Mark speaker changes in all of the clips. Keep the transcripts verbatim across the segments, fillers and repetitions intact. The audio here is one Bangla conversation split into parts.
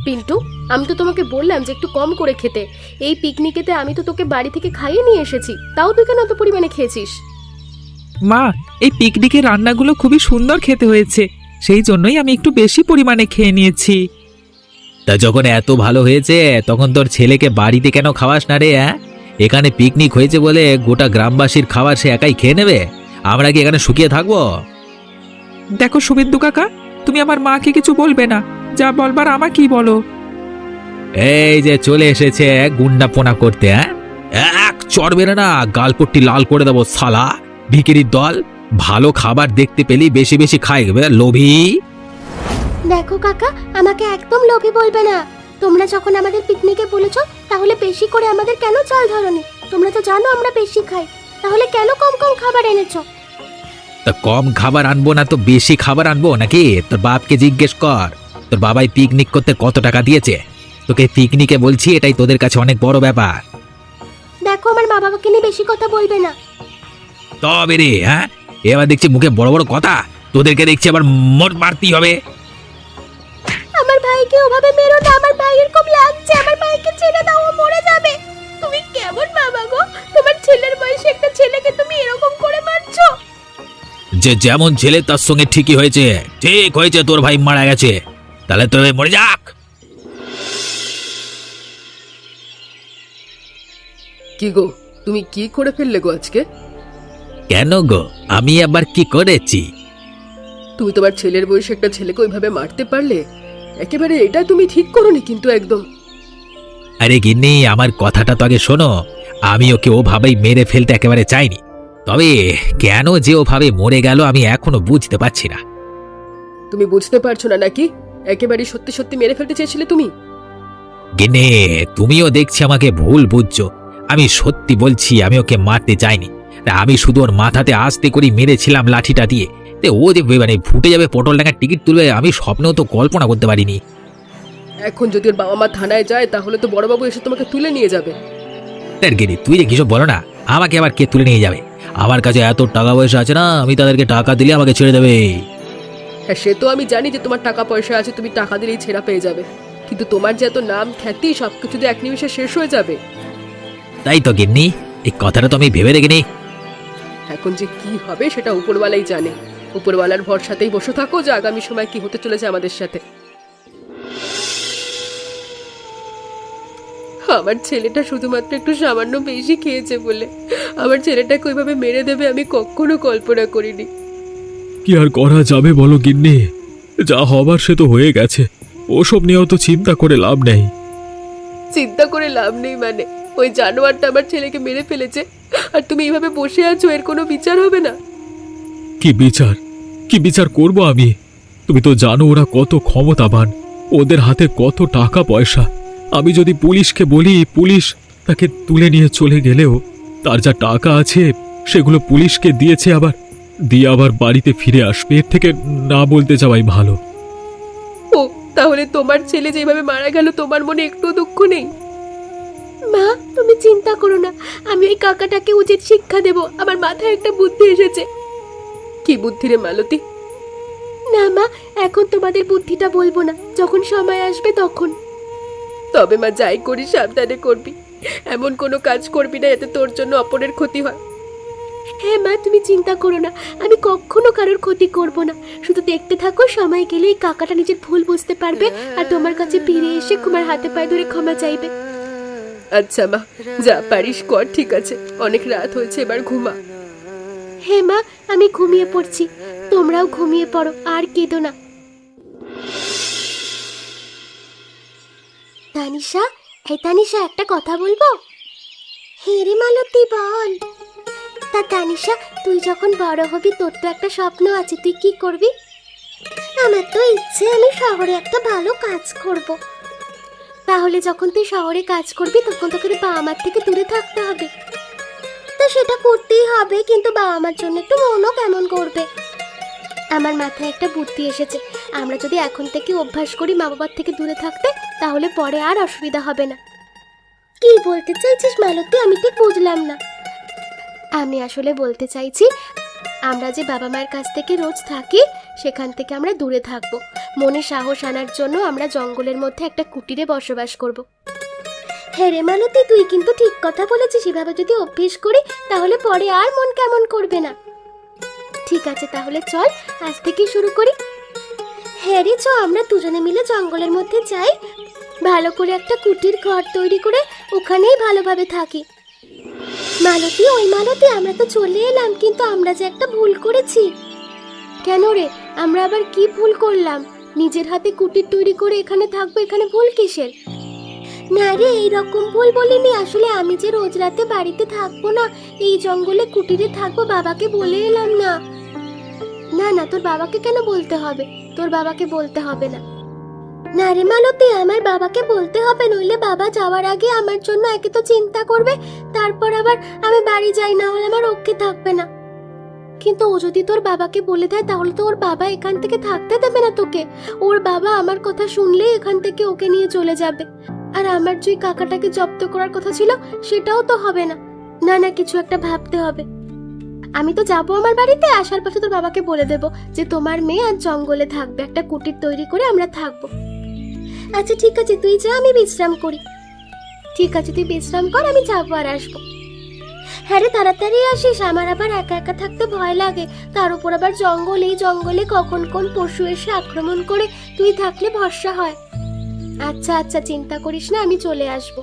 Speaker 1: পিন্টু, আমি তো তোমাকে বললাম যে একটু কম করে খেতে। এই পিকনিকেতে আমি তো তোকে বাড়ি থেকে খাইয়ে নিয়ে এসেছি, তাও তুই কেন এত পরিমাণে খেয়েছিস?
Speaker 2: মা, এই পিকনিকের রান্নাগুলো খুবই সুন্দর খেতে হয়েছে, সেই জন্যই আমি একটু বেশি পরিমাণে খেয়ে নিয়েছি। তা যখন এত ভালো হয়েছে তখন তোর ছেলেকে বাড়িতে কেন খাওয়াস না রে? হ্যাঁ, এখানে পিকনিক হয়েছে বলে গোটা গ্রামবাসীর খাবার সে একাই খেয়ে নেবে? আমরা কি এখানে শুকিয়ে থাকবো? দেখো শুভেন্দু কাকা, তুমি আমার মাকে কিছু বলবে না, যা বলবার আমাকেই বলো। এই যে চলে এসেছে গুন্ডা পোনা করতে, হ্যাঁ, এক চড় বেড়ে না গালপট্টি লাল করে দেবো শালা ভিখিরির দল। ভালো খাবার দেখতে পেলি বেশি বেশি খাই, লোভী।
Speaker 1: দেখো কাকা, আমাকে একদম লোভী বলবে না। তোমরা যখন আমাদের পিকনিকে বলেছো, তাহলে বেশি করে আমাদের কেন চাল ধরনি? তোমরা তো জানো আমরা বেশি খাই, তাহলে কেন কম কম খাবার এনেছো?
Speaker 2: তা কম খাবার আনবো না তো বেশি খাবার আনবো নাকি? তোর বাপকে জিজ্ঞেস কর, তোর বাবাই পিকনিক করতে কত টাকা দিয়েছে। তোকে পিকনিকে বলছি, এটাই তোদের কাছে অনেক বড় ব্যাপার।
Speaker 1: দেখো, আমার মা বাবাকে নিয়ে বেশি কথা বলবে না।
Speaker 2: তবে রে, হ্যাঁ, এবার দেখছি মুখে বড় বড় কথা, তোদেরকে দেখছি আবার মোট মারতেই হবে।
Speaker 1: আমার ভাইকে ওভাবে মেরো না, আমার ভাইয়ের খুব লাগছে। আমার ভাইকে ছেড়ে দাও, ও মরে যাবে। তুমি কেমন বাবা গো? তোমার ছেলের বয়সে একটা ছেলেকে তুমি এরকম করে মারছো?
Speaker 2: যে যেমন ছেলে তার সঙ্গে ঠিকই হয়েছে, ঠিক হয়েছে, তোর ভাই মারা গেছে, তাহলে তোর মরে যাক।
Speaker 3: কি গো, তুমি কি করে ফেললে গো আজকে?
Speaker 2: কেন গো, আমি আবার কি করেছি?
Speaker 3: তুমি তোমার ছেলের বয়সে একটা ছেলেকে ওইভাবে মারতে পারলে? একেবারে এটা তুমি ঠিক করোনি কিন্তু একদম।
Speaker 2: আরে গিন্নি, আমার কথাটা তো আগে শোনো। আমি ওকে ওভাবেই মেরে ফেলতে একেবারে চাইনি, তবে কেন যে ওভাবে মরে গেল আমি এখনো বুঝতে পারছি না।
Speaker 3: তুমি বুঝতে পারছো না নাকি? একেবারে সত্যি সত্যি মেরে ফেলতে চেয়েছিলে তুমি।
Speaker 2: গিন্নি, তুমিও দেখছি আমাকে ভুল বুঝছো। আমি সত্যি বলছি, আমি ওকে মারতে চাইনি। আমি শুধু ওর মাথাতে আস্তে করে মেরেছিলাম লাঠিটা দিয়ে। তে ও যে মানে ফুটে যাবে, পটল ডাঙার টিকিট তুলবে, আমি স্বপ্নেও তো কল্পনা করতে পারিনি।
Speaker 3: এখন যদি ওর বাবা মা থানায় যায়, তাহলে তো বড়বাবু এসে তোমাকে তুলে নিয়ে যাবে।
Speaker 2: তার গিন্নি, তুই যে কিসব বলো না, আমাকে আবার কে তুলে নিয়ে যাবে? আমার কাছে এত টাকা পয়সা আছে না, আমি তাদেরকে টাকা দিলে আমাকে ছেড়ে দেবে।
Speaker 3: হ্যাঁ, সে তো আমি জানি যে তোমার টাকা পয়সা আছে, তুমি টাকা দিলেই ছেঁড়া পেয়ে যাবে, কিন্তু তোমার যে এত নাম খ্যাতি সবকিছু যে এক নিমিষে শেষ হয়ে যাবে।
Speaker 2: তাই তো গিন্নি, এই কথাটা তো আমি ভেবে দেখিনি।
Speaker 3: এখন যে কি হবে সেটা উপরওয়ালাই জানে। উপরওয়ালার ভরসাতেই বসে থাকো যে আগামী সময় কি হতে চলেছে আমাদের সাথে। আমার ছেলেটা শুধুমাত্র একটু সামান্য বেশি খেয়েছে বলে আমার ছেলেটাকে ওইভাবে মেরে দেবে আমি কখনো কল্পনা করিনি।
Speaker 4: কি আর করা যাবে বলো গিন্নি, যা হবার সে তো হয়ে গেছে, ওসব নিয়েও তো চিন্তা করে লাভ নেই।
Speaker 3: চিন্তা করে লাভ নেই মানে? ওই জানোয়ারটা আমার ছেলেকে মেরে ফেলেছে, আর তুমি এইভাবে বসে আছো, এর কোনো বিচার হবে না?
Speaker 4: কি বিচার? কি বিচার করব আমি? তুমি তো জানো ওরা কত ক্ষমতাবান, ওদের হাতে কত টাকা পয়সা। আমি যদি পুলিশকে বলি, পুলিশ তাকে তুলে নিয়ে চলে গেলেও তার যা টাকা আছে সেগুলো পুলিশকে দিয়েছে, আবার দিয়ে আবার বাড়িতে ফিরে আসবে। এর থেকে না বলতে যাওয়াই ভালো।
Speaker 3: ও তাহলে তোমার ছেলে যেভাবে মারা গেল তোমার মনে একটু দুঃখ নেই?
Speaker 1: মা, তুমি চিন্তা করো না, আমি ওই কাকাটাকে উচিত শিক্ষা দেব। আমার মাথায় একটা বুদ্ধি এসেছে।
Speaker 3: কি বুদ্ধি রে মালতী?
Speaker 1: না মা, এখন তোমাদের বুদ্ধিটা বলবো না, যখন সময় আসবে তখন।
Speaker 3: তবে মা, যাই করি সাবধানে করবি, এমন কোনো কাজ করবি না এতে তোর জন্য অপরের ক্ষতি হয়।
Speaker 1: হ্যাঁ মা, তুমি চিন্তা করো না, আমি কখনো কারোর ক্ষতি করব না। শুধু দেখতে থাকো, সময় গেলে এই কাকাটা নিজের ভুল বুঝতে পারবে আর তোমার কাছে ফিরে এসে তোমার হাতে পায়ে ধরে ক্ষমা চাইবে।
Speaker 3: আচ্ছা মা, যা পারিস কর, ঠিক আছে? অনেক রাত হয়েছে, এবার ঘুমা।
Speaker 1: হ্যাঁ মা, আমি ঘুমিয়ে পড়ছি, তোমরাও ঘুমিয়ে পড়ো আর কেঁদো না। তানিশা, এই তানিশা, একটা কথা বলবো? হ্যাঁ রে মালতী, বল। তা তানিশা, তুই যখন বড় হবি তোর তো একটা স্বপ্ন আছে, তুই কি করবি? আমার তো ইচ্ছে আমি শহরে একটা ভালো কাজ করব। তাহলে যখন তুই শহরে কাজ করবি তখন তোকে বাবা মার থেকে দূরে থাকতে হবে। তা সেটা করতেই হবে, কিন্তু বাবা মার জন্য একটু মনও কেমন করবে। আমার মাথায় একটা বুদ্ধি এসেছে, আমরা যদি এখন থেকে অভ্যাস করি মা বাবার থেকে দূরে থাকতে, তাহলে পরে আর অসুবিধা হবে না। কি বলতে চাইছিস মালতী, আমি ঠিক বুঝলাম না। আমি আসলে বলতে চাইছি, আমরা যে বাবা মায়ের কাছ থেকে রোজ থাকি সেখান থেকে আমরা দূরে থাকবো। মনে সাহস আনার জন্য আমরা জঙ্গলের মধ্যে একটা কুটিরে বসবাস করব। হ্যাঁ রে মালতী, তুই কিন্তু ঠিক কথা বলেছিস। এভাবে যদি অভ্যেস করি তাহলে পরে আর মন কেমন করবে না। ঠিক আছে, তাহলে চল আজ থেকে শুরু করি। হ্যাঁ রে, চ আমরা দুজনে মিলে জঙ্গলের মধ্যে যাই, ভালো করে একটা কুটির ঘর তৈরি করে ওখানেই ভালোভাবে থাকি। মালতী, ওই মালতী, আমরা তো চলে এলাম, কিন্তু আমরা যে একটা ভুল করেছি। কেন রে, আমরা আবার কি ভুল করলাম? নিজের হাতে কুটির তৈরি করে এখানে থাকবো, এখানে ভুল কিসের? না রে, এইরকম ভুল বলিনি। আসলে আমি যে রোজ রাতে বাড়িতে থাকবো না, এই জঙ্গলে কুটিরে থাকবো, বাবাকে বলে এলাম না। না না, তোর বাবাকে কেন বলতে হবে? তোর বাবাকে বলতে হবে না। না রে মালতী, আমার বাবাকে বলতে হবে, নইলে বাবা যাওয়ার আগে আমার জন্য একে তো চিন্তা করবে, তারপর আবার আমি বাড়ি যাই না হলে আমার রক্ষে থাকবে না। কিন্তু ও যদি তোর বাবাকে বলে দেয় তাহলে তো ওর বাবা এখান থেকে থাকতে দেবে না তোকে। ওর বাবা আমার কথা শুনলেই এখান থেকে ওকে নিয়ে চলে যাবে। আর আমার যে কাকাটাকে জব্দ করার কথা ছিল সেটাও তো হবে না। না না, কিছু একটা ভাবতে হবে। আমি তো যাবো আমার বাড়িতে, আসার পথে তোর বাবাকে বলে দেবো যে তোমার মেয়ে আজ জঙ্গলে থাকবে, একটা কুটির তৈরি করে আমরা থাকবো। আচ্ছা ঠিক আছে, তুই যা, আমি বিশ্রাম করি। ঠিক আছে, তুই বিশ্রাম কর, আমি যাবো আর আসবো। হ্যাঁ রে, তাড়াতাড়ি আসিস, আমার আবার একা একা থাকতে ভয় লাগে। তার উপর আবার জঙ্গল, এই জঙ্গলে কখন কোন পশু এসে আক্রমণ করে, তুই থাকলে ভরসা হয়। আচ্ছা আচ্ছা, চিন্তা করিস না, আমি চলে আসবো।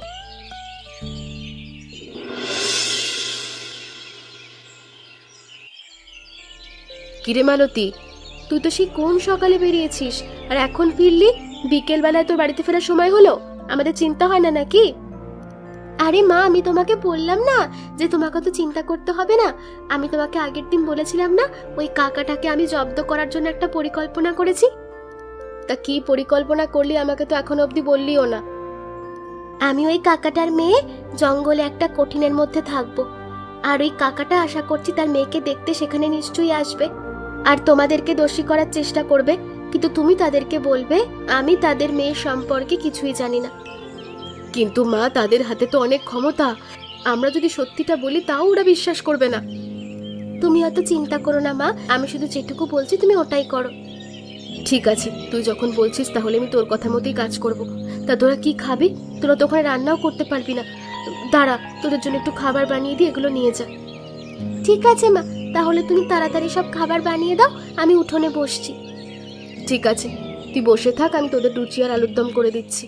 Speaker 3: কিরে মালতী, তুই তো সেই কোন সকালে বেরিয়েছিস আর এখন ফিরলি? বিকেল বেলায় তোর বাড়িতে ফেরার সময় হলো, আমাদের চিন্তা হয় না নাকি?
Speaker 1: আরে মা, আমি তোমাকে বললাম না যে তোমাকে তো চিন্তা করতে হবে না। আমি তোমাকে আগের দিন বলেছিলাম না ওই কাকাটাকে আমি জব্দ করার জন্য একটা পরিকল্পনা করেছি।
Speaker 3: তা কি পরিকল্পনা করলি, আমাকে তো এখনো অবধি বললিও না।
Speaker 1: আমি ওই কাকাটার মেয়ে জঙ্গলে একটা কঠিনের মধ্যে থাকবো, আর ওই কাকাটা আশা করছি তার মেয়েকে দেখতে সেখানে নিশ্চয়ই আসবে আর তোমাদেরকে দোষী করার চেষ্টা করবে, কিন্তু তুমি তাদেরকে বলবে আমি তাদের মেয়ে সম্পর্কে কিছুই জানি না।
Speaker 3: কিন্তু মা, তাদের হাতে তো অনেক ক্ষমতা, আমরা যদি সত্যিটা বলি তাও ওরা বিশ্বাস করবে না।
Speaker 1: তুমি অত চিন্তা করো না মা, আমি শুধু যেটুকু বলছি তুমি ওটাই করো।
Speaker 3: ঠিক আছে, তুই যখন বলছিস তাহলে আমি তোর কথা মতোই কাজ করব। তা তোরা কি খাবি? তোরা তো ওখানে রান্নাও করতে পারবি না। দাঁড়া, তোদের জন্য একটু খাবার বানিয়ে দিয়ে এগুলো নিয়ে যা।
Speaker 1: ঠিক আছে মা, তাহলে তুমি তাড়াতাড়ি সব খাবার বানিয়ে দাও, আমি উঠোনে বসছি।
Speaker 3: ঠিক আছে, তুই বসে থাক, আমি তোদের লুচি আর আলুর দম করে দিচ্ছি।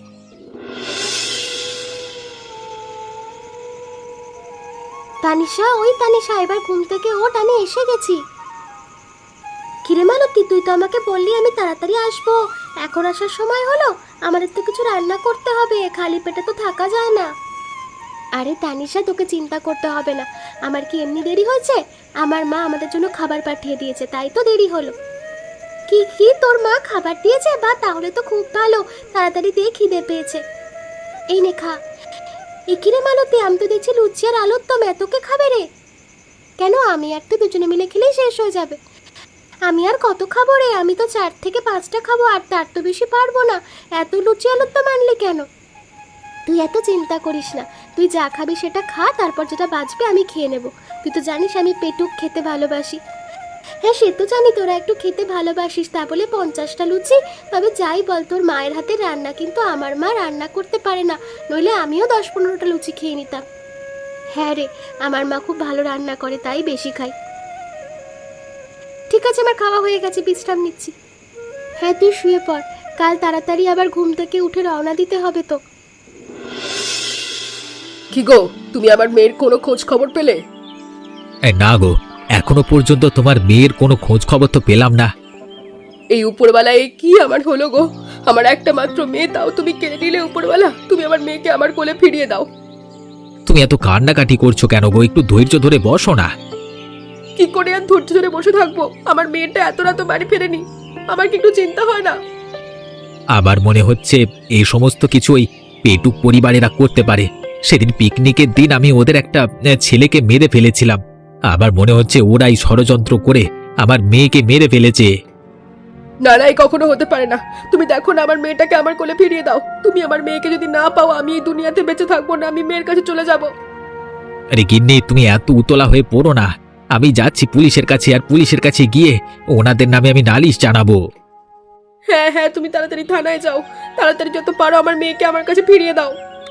Speaker 1: তানিশা, ওই তানিশা, এবার ঘুম থেকে ওঠ, আমি এসে গেছি। কিরে মালতী, তুই তো আমাকে বললি আমি তাড়াতাড়ি আসবো, এখন আসার সময় হলো? আমাদের তো কিছু রান্না করতে হবে, খালি পেটে তো থাকা যায় না। আরে তানিশা, তোকে চিন্তা করতে হবে না, আমার কি এমনি দেরি হয়েছে? আমার মা আমাদের জন্য খাবার পাঠিয়ে দিয়েছে, তাই তো দেরি হলো। কি কি, তোর মা খাবার দিয়েছে? বা তাহলে তো খুব ভালো, তাড়াতাড়ি দিয়ে খিদে পেয়েছে। এই নে খা। একিরে মালতী, আমি তো দেখছি লুচি আর আলুর দম, এতকে খাবে রে? কেন, আমি আর তুই দুজনে মিলে খেলেই শেষ হয়ে যাবে। আমি আর কত খাবো রে? আমি তো চার থেকে পাঁচটা খাবো, আর তার তো বেশি পারবো না। এত লুচি আলুর দম আনলি কেন? তুই এত চিন্তা করিস না, তুই যা খাবি সেটা খা, তারপর যেটা বাঁচবে আমি খেয়ে নেব। তুই তো জানিস আমি পেটুক খেতে ভালোবাসি। হ্যাঁ সে তো জানি তোরা একটু খেতে ভালোবাসিস, তা বলে পঞ্চাশটা লুচি? তবে যাই বল, তোর মায়ের হাতে রান্না কিন্তু আমার মা রান্না করতে পারে না, নইলে আমিও দশ পনেরোটা লুচি খেয়ে নিতাম। হ্যাঁ রে, আমার মা খুব ভালো রান্না করে, তাই বেশি খাই। ঠিক আছে, আমার খাওয়া হয়ে গেছে, বিশ্রাম নিচ্ছি। হ্যাঁ তুই শুয়ে পড়, কাল তাড়াতাড়ি আবার ঘুম থেকে উঠে রওনা দিতে হবে তো।
Speaker 3: কি গো, তুমি আমার মেয়ের কোনো খোঁজ খবর পেলে?
Speaker 2: এ, না গো, এখনো পর্যন্ত তোমার মেয়ের কোনো খোঁজ খবর তো পেলাম না।
Speaker 3: এই উপরওয়ালায় কি আমার হলো গো? আমার একটা মাত্র মেয়ে, তাও তুমি কেড়ে নিলে উপরওয়ালা। তুমি আমার মেয়েকে আমার কোলে ফিরিয়ে দাও।
Speaker 2: তুমি এত কান্নাকাটি করছো কেন গো? একটু ধৈর্য ধরে বসো না।
Speaker 3: কি করে আর ধৈর্য ধরে বসে থাকবো? আমার মেয়েটা এত রাত বাড়ি ফেরেনি, আমার কি একটু চিন্তা হয় না?
Speaker 2: আবার মনে হচ্ছে এই সমস্ত কিছু ওই পেটুক পরিবারেরা করতে পারে। সেদিন পিকনিকের দিন আমি ওদের একটা এ, ছেলেকে মেরে ফেলেছিলাম, আবার মনে হচ্ছে ওরাই ষড়যন্ত্র করে আমার মেয়েকে মেরে ফেলেছে।
Speaker 3: না না, এই কখনো হতে পারে না। তুমি দেখো না, আমার মেয়েটাকে আমার কোলে ফিরিয়ে দাও। তুমি আমার মেয়েকে যদি না পাও, আমি এই দুনিয়াতে বেঁচে থাকবো না, আমি মেয়ের কাছে চলে যাব।
Speaker 2: আরে গিন্নি, তুমি এত উতলা হয়ে পড়ো না। আমি যাচ্ছি পুলিশের কাছে, আর পুলিশের কাছে গিয়ে ওনাদের নামে আমি নালিশ জানাবো।
Speaker 3: হ্যাঁ হ্যাঁ, তুমি তাড়াতাড়ি থানায় যাও, তাড়াতাড়ি যত পারো আমার মেয়েকে আমার কাছে ফিরিয়ে দাও।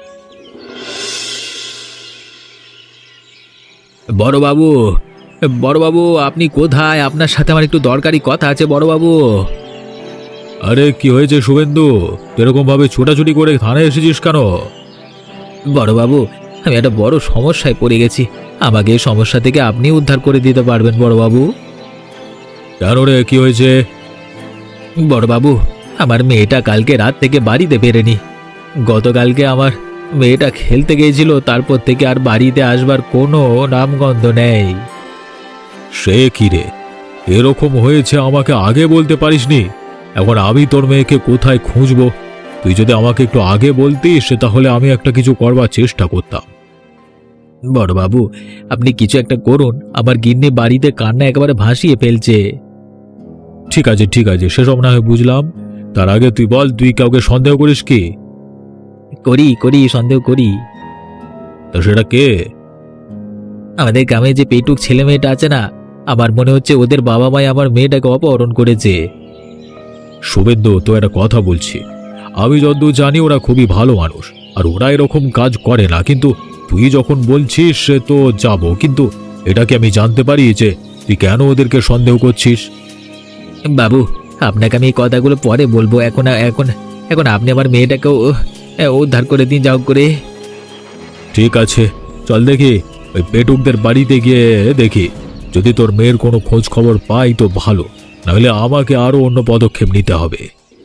Speaker 2: বড়বাবু, বড়বাবু আপনি কোথায়? আপনার সাথে আমার একটু দরকারি কথা আছে বড়বাবু।
Speaker 4: আরে কি হয়েছে শুভেন্দু, এরকম ভাবে ছোটাছুটি করে থানায় এসেছিস কেন?
Speaker 2: বড়বাবু, আমি একটা বড় সমস্যায় পড়ে গেছি, আমাকে এই সমস্যা থেকে আপনি উদ্ধার করে দিতে পারবেন বড়বাবু?
Speaker 4: কেন রে, কি হয়েছে?
Speaker 2: বড়বাবু, আমার মেয়েটা কালকে রাত থেকে বাড়িতে ফেরেনি। গতকালকে আমার মেয়েটা খেলতে গিয়েছিল, তারপর থেকে আর বাড়িতে আসবার কোনো নামগন্ধ নেই।
Speaker 4: সে কি রে, এরকম হয়েছে আমাকে আগে বলতে পারিসনি? এখন আমি তোর মেয়েকে কোথায় খুঁজবো? তুই যদি আমাকে একটু আগে বলতিস তাহলে আমি একটা কিছু করবার চেষ্টা করতাম।
Speaker 2: বড়বাবু, আপনি কিছু একটা করুন, আমার গিন্নি বাড়িতে কান্না একেবারে ভাসিয়ে ফেলছে।
Speaker 4: ঠিক আছে ঠিক আছে, সেসব না হয় বুঝলাম। তার আগে তুই বল, তুই কাউকে সন্দেহ করিস কি?
Speaker 2: করি করি সন্দেহ করি।
Speaker 4: তা সেটা কে?
Speaker 2: আমাদের গ্রামে যে পেটুক ছেলে মেয়েটা আছে না, আমার মনে হচ্ছে ওদের বাবা মাই আমার মেয়েটাকে অপহরণ করেছে।
Speaker 4: শুভেন্দু, তো একটা কথা বলছি, আমি যতদূর জানি ওরা খুবই ভালো মানুষ, আর ওরা এরকম কাজ করে না। কিন্তু তুই যখন বলছিস সে তো যাব, কিন্তু এটাকে আমি জানতে পারি যে তুই কেন ওদেরকে সন্দেহ করছিস?
Speaker 2: বাবু, আপনাকে আমি এই কথাগুলো পরে বলবো, এখন এখন এখন আপনি আমার মেয়েটাকে উ- উদ্ধার করে দিন যাও করে।
Speaker 4: ঠিক আছে, চল দেখি ওই পেটুকদের বাড়িতে গিয়ে দেখি, যদি তোর মেয়ের কোনো খোঁজ খবর পাই তো ভালো, নাহলে আমাকে আরো অন্য পদক্ষেপ নিতে হবে।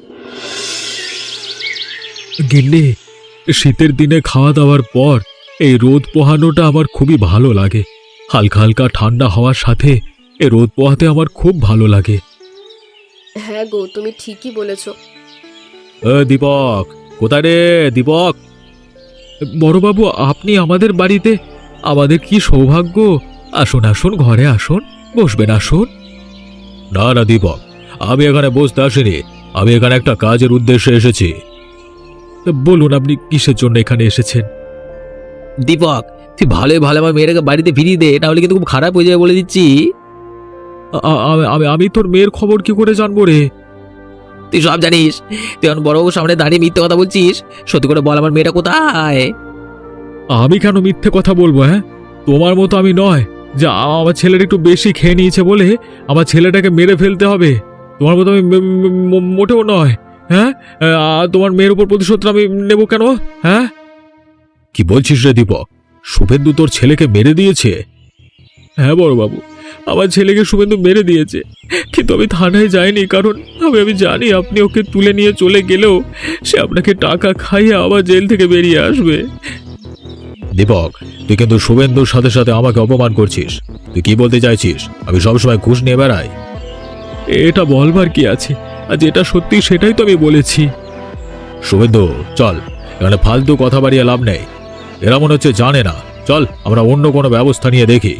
Speaker 4: গিন্নি, শীতের দিনে খাওয়া দাওয়ার পর এই রোদ পোহানোটা আমার খুবই ভালো লাগে। হালকা হালকা ঠান্ডা হওয়ার সাথে এই রোদ পোহাতে আমার খুব ভালো লাগে।
Speaker 3: হ্যাঁ গো, তুমি ঠিকই বলেছো।
Speaker 4: এ দীপক, কোথায় রে দীপক? বড়বাবু, আপনি আমাদের বাড়িতে, আমাদের কি সৌভাগ্য। আসুন আসুন, ঘরে আসুন, বসবেন, আসুন। না না দীপক, আমি এখানে বসতে আসিনি, আমি এখানে একটা কাজের উদ্দেশ্যে এসেছি। বলুন, আপনি কিসের জন্য এখানে এসেছেন?
Speaker 2: দীপক, তুই ভালোই ভালো আমার মেয়েটাকে বাড়িতে ফিরিয়ে দে, নাহলে কিন্তু খুব খারাপ হয়ে যাবে বলে দিচ্ছি।
Speaker 4: আ- আ- আমি আমি তোর মেয়ের খবর কি করে জানবো রে?
Speaker 2: তুই সব জানিস, তুই এখন বড়বাবুর সামনে দাঁড়িয়ে মিথ্যে কথা বলছিস। সত্যি করে বল, আমার মেয়েটা কোথায়?
Speaker 4: আমি কেন মিথ্যে কথা বলবো? হ্যাঁ, তোমার মতো আমি নয় যে আ- আমার ছেলেটা একটু বেশি খেয়ে নিয়েছে বলে আমার ছেলেটাকে মেরে ফেলতে হবে। তোমার মতো আমি ম- ম- ম- মোটেও নয়। হ্যাঁ, আ, তোমার মেয়ের উপর প্রতিশোধ আমি নেব কেন? হ্যাঁ, কি বলছিস রে দীপক? শুভেন্দু তোর ছেলেকে মেরে দিয়েছে? হ্যাঁ বড়বাবু, আমার ছেলেকে শুভেন্দু মেরে দিয়েছে, কিন্তু আমি থানায় যাইনি, কারণ আমি আমি জানি আপনি ওকে তুলে নিয়ে চলে গেলেও সে আপনাকে টাকা খাইয়ে আবার জেল থেকে বেরিয়ে আসবে। দীপক, তুই কিন্তু শুভেন্দুর সাথে সাথে আমাকে অপমান করছিস। তুই কি বলতে চাইছিস? আমি সবসময় ঘুষ নিয়ে বেড়াই? এটা বলবার কি আছে, আর যেটা সত্যি সেটাই তো আমি বলেছি। শুভেন্দু, চল, এখানে ফালতু কথা বাড়িয়ে লাভ নেই। এরা মনে হচ্ছে জানে না। চল, আমরা অন্য কোনো ব্যবস্থা নিয়ে দেখি।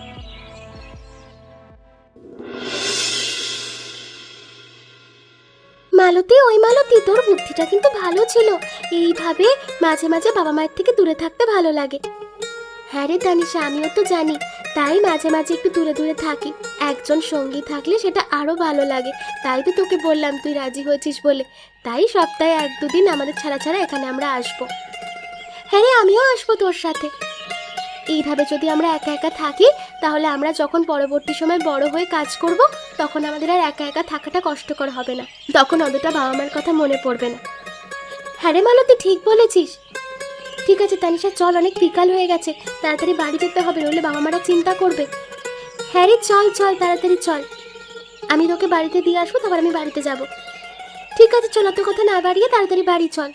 Speaker 1: মালতী, ওই মালতী, তোর বুদ্ধিটা কিন্তু ভালো ছিল। এইভাবে মাঝে মাঝে বাবা মায়ের থেকে দূরে থাকতে ভালো লাগে। হ্যাঁ রে তানিশা, আমিও তো জানি, তাই মাঝে মাঝে একটু দূরে দূরে থাকি। একজন সঙ্গী থাকলে সেটা আরো ভালো লাগে। তাই তো তোকে বললাম, তুই রাজি হয়েছিস বলে। তাই সপ্তাহে এক দুদিন আমাদের ছাড়া ছাড়া এখানে আমরা আসবো। হ্যাঁ রে, আমিও আসবো তোর সাথে। এইভাবে যদি আমরা একা একা থাকি, তাহলে আমরা যখন পরবর্তী সময় বড় হয়ে কাজ করব, তখন আমাদের আর একা একা থাকাটা কষ্টকর হবে না। তখন অতটা বাবা মার কথা মনে পড়বে না। হ্যাঁ রে মালতী, ঠিক বলেছিস। ঠিক আছে তানিশা, চল, অনেক বিকাল হয়ে গেছে, তাড়াতাড়ি বাড়ি যেতে হবে, নইলে বাবা মারা চিন্তা করবে। হ্যাঁ রে, চল চল, তাড়াতাড়ি চল। আমি তোকে বাড়িতে দিয়ে আসবো, তারপর আমি বাড়িতে যাব। ঠিক আছে, চল, অত কথা না বাড়িয়ে তাড়াতাড়ি বাড়ি চল।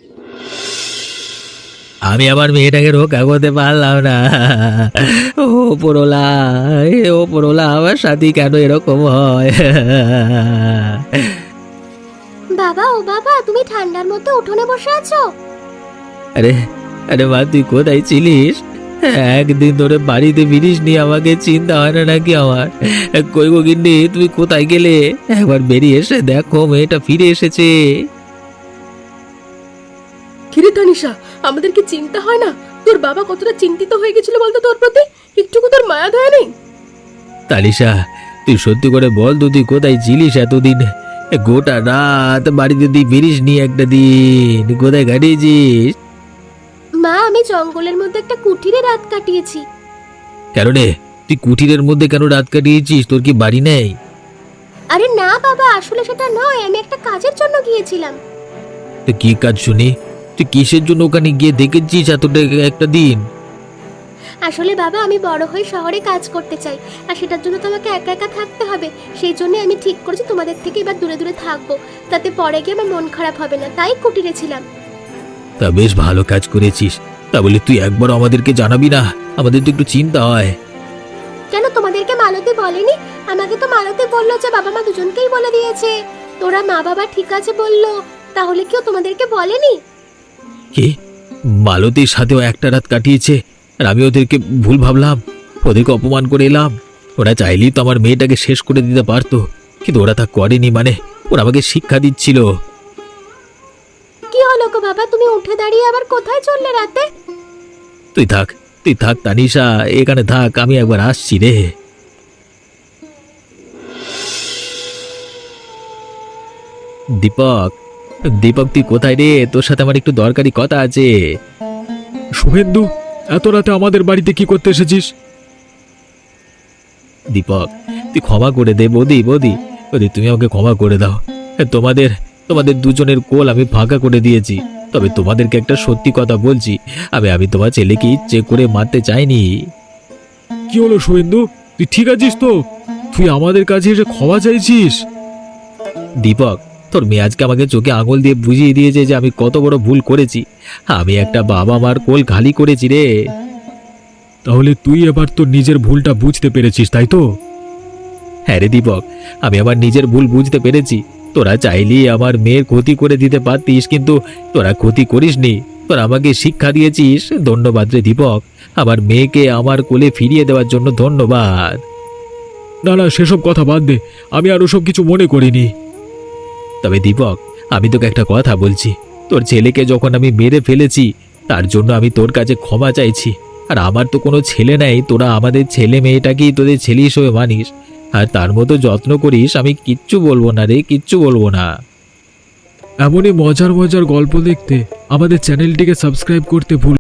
Speaker 2: আমি আমার মেয়েটাকে রক্ষা করতে পারলাম না। ও পরোলা, ও পরোলা, আমার সাথে কেন এরকম হয়?
Speaker 1: বাবা, ও বাবা, তুমি ঠান্ডার মধ্যে উঠোনে বসে আছো?
Speaker 2: আরে আরে মা, তুই কোথায় ছিলিস? একদিন ধরে বাড়িতে ফিরিস নি, আমাকে চিন্তা হয় না নাকি আমার? কই গো গিন্নি, তুমি কোথায় গেলে? একবার বেরিয়ে এসে দেখো, মেয়েটা ফিরে এসেছে।
Speaker 3: কিরে তানিশা, আমাদের কি চিন্তা হয় না? তোর বাবা কতটা চিন্তিত হয়ে গেছিল বলতো তোর প্রতি? একটুকু তোর মায়া দয়া নেই?
Speaker 2: তালিশা, তুই সত্যি করে বল তো তুই কোথায় ছিলিস এতদিন? এ গোটা রাত বাড়িতে তুই ফিরিস নি একটা দিন, কোথায় কাটিয়েছিস?
Speaker 1: মা, আমি জঙ্গলের মধ্যে একটা কুঠিরে রাত কাটিয়েছি।
Speaker 2: কেন রে, তুই কুঠিরের মধ্যে কেন রাত কাটিয়েছিস? তোর কি বাড়ি নেই?
Speaker 1: আরে না বাবা, আসলে সেটা নয়, আমি একটা কাজের জন্য গিয়েছিলাম।
Speaker 2: তো কি কাজ শুনি? তুই কিসের জন্য ওখানে গিয়ে দেখেছিস এতটা একটা দিন?
Speaker 1: আসলে বাবা, আমি বড় হয়ে শহরে কাজ করতে চাই, আর সেটার জন্য তো আমাকে একা একা থাকতে হবে। সেই জন্য আমি ঠিক করেছি তোমাদের থেকে এবার দূরে দূরে থাকবো, তাতে পরে গিয়ে আমার মন খারাপ হবে না, তাই কুটিরে ছিলাম।
Speaker 2: তা বেশ ভালো কাজ করেছিস। তা বলে তুই একবার আমাদেরকে জানাবি না? আমাদের তো একটু চিন্তা হয়।
Speaker 1: কেন, তোমাদেরকে মালতী বলেনি? আমাকে তো মালতী বললো যে বাবা মা দুজনকেই বলে দিয়েছে। তোরা মা বাবা ঠিক আছে বললো, তাহলে কেউ তোমাদেরকে বলেনি?
Speaker 2: কি, মালতীর সাথেও একটা রাত কাটিয়েছে আর আমি ওদেরকে ভুল ভাবলাম, ওদেরকে অপমান করে এলাম? ওরা চাইলেই তো আমার মেয়েটাকে শেষ করে দিতে পারতো, কিন্তু ওরা তা করেনি। মানে ওরা আমাকে শিক্ষা দিচ্ছিল।
Speaker 1: কি হলো গো বাবা, তুমি উঠে দাঁড়িয়ে আবার কোথায় চললে রাতে?
Speaker 2: তুই থাক, তুই থাক তানিশা, এখানে থাক, আমি একবার আসছি রে। দীপক, দীপক তুই কোথায় রে? তোর সাথে আমার একটু দরকারি কথা আছে।
Speaker 4: শুভেন্দু, এত রাতে আমাদের বাড়িতে কি করতে এসেছিস?
Speaker 2: দীপক, তুই ক্ষমা করে দে। বৌদি, বৌদি, বৌদি, তুমি আমাকে ক্ষমা করে দাও। তোমাদের তোমাদের দুজনের কোল আমি ফাঁকা করে দিয়েছি, তবে তোমাদেরকে একটা সত্যি কথা বলছি, আমি আমি তোমার ছেলেকে ইচ্ছে করে মারতে চাইনি।
Speaker 4: কি হলো শুভেন্দু, তুই ঠিক আছিস তো? তুই আমাদের কাছে এসে ক্ষমা চাইছিস?
Speaker 2: দীপক, তোর মেয়ে আজকে আমাকে চোখে আঙুল দিয়ে বুঝিয়ে দিয়েছে যে আমি কত বড় ভুল করেছি। আমি একটা বাবা মার কোল খালি করেছি রে।
Speaker 4: তাহলে তুই এবার তোর নিজের ভুলটা বুঝতে পেরেছিস, তাই তো?
Speaker 2: হ্যাঁ রে দীপক, আমি আমার নিজের ভুল বুঝতে পেরেছি। তোরা চাইলেই আমার মেয়ের ক্ষতি করে দিতে পারতিস, কিন্তু তোরা ক্ষতি করিসনি। তোরা আমাকে শিক্ষা দিয়েছিস, ধন্যবাদ রে দীপক। আমার মেয়েকে আমার কোলে ফিরিয়ে দেওয়ার জন্য ধন্যবাদ।
Speaker 4: না না, সেসব কথা বাদ দে, আমি আর ওসব কিছু মনে করিনি।
Speaker 2: তবে দীপক, আমি তোকে একটা কথা বলছি, তোর ছেলেকে যখন আমি মেরে ফেলেছি তার জন্য আমি তোর কাছে ক্ষমা চাইছি। আর আমার তো কোনো ছেলে নেই, তোরা আমাদের ছেলে মেয়েটাকেই তোদের ছেলে হিসেবে মানিস আর তার মতো যত্ন করিস। আমি কিচ্ছু বলবো না রে, কিচ্ছু বলবো না।
Speaker 4: এমনই মজার মজার গল্প দেখতে আমাদের চ্যানেলটিকে সাবস্ক্রাইব করতে ভুল